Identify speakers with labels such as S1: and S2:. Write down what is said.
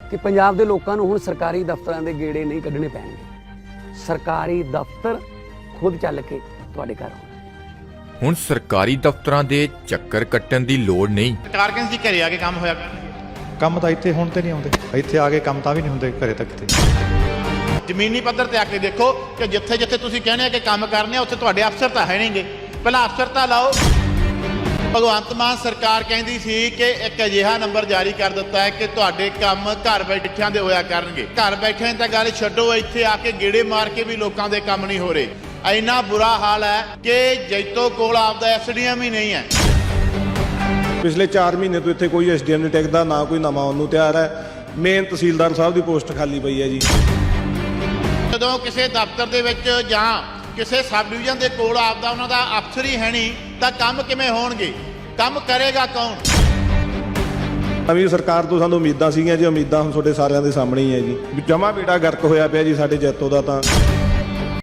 S1: ਕਿ ਪੰਜਾਬ ਦੇ ਲੋਕਾਂ ਨੂੰ ਹੁਣ ਸਰਕਾਰੀ ਦਫ਼ਤਰਾਂ ਦੇ ਗੇੜੇ ਨਹੀਂ ਕੱਢਣੇ ਪੈਣਗੇ। ਸਰਕਾਰੀ ਦਫ਼ਤਰ ਖੁਦ ਚੱਲ ਕੇ ਤੁਹਾਡੇ ਘਰ ਆਉਣਾ।
S2: ਹੁਣ ਸਰਕਾਰੀ ਦਫ਼ਤਰਾਂ ਦੇ ਚੱਕਰ ਕੱਟਣ ਦੀ ਲੋੜ ਨਹੀਂ।
S3: ਸਰਕਾਰ ਕਹਿੰਦੀ ਸੀ ਘਰੇ ਆ ਕੇ ਕੰਮ ਹੋਇਆ।
S4: ਕੰਮ ਤਾਂ ਇੱਥੇ ਹੁਣ ਤੇ ਨਹੀਂ ਆਉਂਦੇ, ਇੱਥੇ ਆ ਕੇ ਕੰਮ ਤਾਂ ਵੀ ਨਹੀਂ ਹੁੰਦੇ ਘਰੇ ਤੱਕ ਤੇ।
S3: ਜ਼ਮੀਨੀ ਪੱਧਰ ਤੇ ਆ ਕੇ ਦੇਖੋ ਕਿ ਜਿੱਥੇ ਜਿੱਥੇ ਤੁਸੀਂ ਕਹਿੰਦੇ ਆ ਕਿ ਕੰਮ ਕਰਨੇ ਆ ਉੱਥੇ ਤੁਹਾਡੇ ਅਫਸਰ ਤਾਂ ਹੈ ਨਹੀਂਗੇ। ਪਹਿਲਾਂ ਅਫਸਰ ਤਾਂ ਲਾਓ। ਭਗਵੰਤ ਮਾਨ ਸਰਕਾਰ ਕਹਿੰਦੀ ਸੀ ਕਿ ਇੱਕ ਅਜਿਹਾ ਨੰਬਰ ਜਾਰੀ ਕਰ ਦਿੱਤਾ ਹੈ ਕਿ ਤੁਹਾਡੇ ਕੰਮ ਘਰ ਬੈਠਿਆਂ ਦੇ ਹੋਇਆ ਕਰਨਗੇ। ਘਰ ਬੈਠਿਆਂ ਤਾਂ ਗੱਲ ਛੱਡੋ, ਇੱਥੇ ਆ ਕੇ ਗੇੜੇ ਮਾਰ ਕੇ ਵੀ ਲੋਕਾਂ ਦੇ ਕੰਮ ਨਹੀਂ ਹੋ ਰਹੇ। ਇੰਨਾ ਬੁਰਾ ਹਾਲ ਹੈ ਕਿ ਜੈਤੋ ਕੋਲ ਆਪਦਾ ਐਸਡੀਐਮ ਹੀ ਨਹੀਂ ਹੈ।
S5: ਪਿਛਲੇ 4 ਮਹੀਨੇ ਤੋਂ ਇੱਥੇ ਕੋਈ ਐਸਡੀਐਮ ਨਹੀਂ ਟਿਕਦਾ, ਨਾ ਕੋਈ ਨਵਾਂ ਉਹਨੂੰ ਤਿਆਰ ਹੈ। ਮੇਨ ਤਹਿਸੀਲਦਾਰ ਸਾਹਿਬ ਦੀ ਪੋਸਟ ਖਾਲੀ ਪਈ ਹੈ ਜੀ।
S3: ਜਦੋਂ ਕਿਸੇ ਦਫ਼ਤਰ ਦੇ ਵਿੱਚ ਜਾਂ ਕਿਸੇ ਸਬ ਡਿਵੀਜ਼ਨ ਦੇ ਕੋਲ ਆਪਦਾ ਉਹਨਾਂ ਦਾ ਅਫਸਰ ਹੀ ਹੈ ਨਹੀਂ ਤਾਂ ਕੰਮ ਕਿਵੇਂ ਹੋਣਗੇ? ਕੰਮ ਕਰੇਗਾ ਕੌਣ?
S5: ਨਵੀਂ ਸਰਕਾਰ ਤੋਂ ਸਾਨੂੰ ਉਮੀਦਾਂ ਸੀਗੀਆਂ ਜੀ, ਉਮੀਦਾਂ ਹੁਣ ਤੁਹਾਡੇ ਸਾਰਿਆਂ ਦੇ ਸਾਹਮਣੇ ਹੀ ਹੈ ਜੀ। ਜਮਾ ਬੇੜਾ ਗਰਕ ਹੋਇਆ ਪਿਆ ਜੀ ਸਾਡੇ ਜੈਤੋ ਦਾ ਤਾਂ।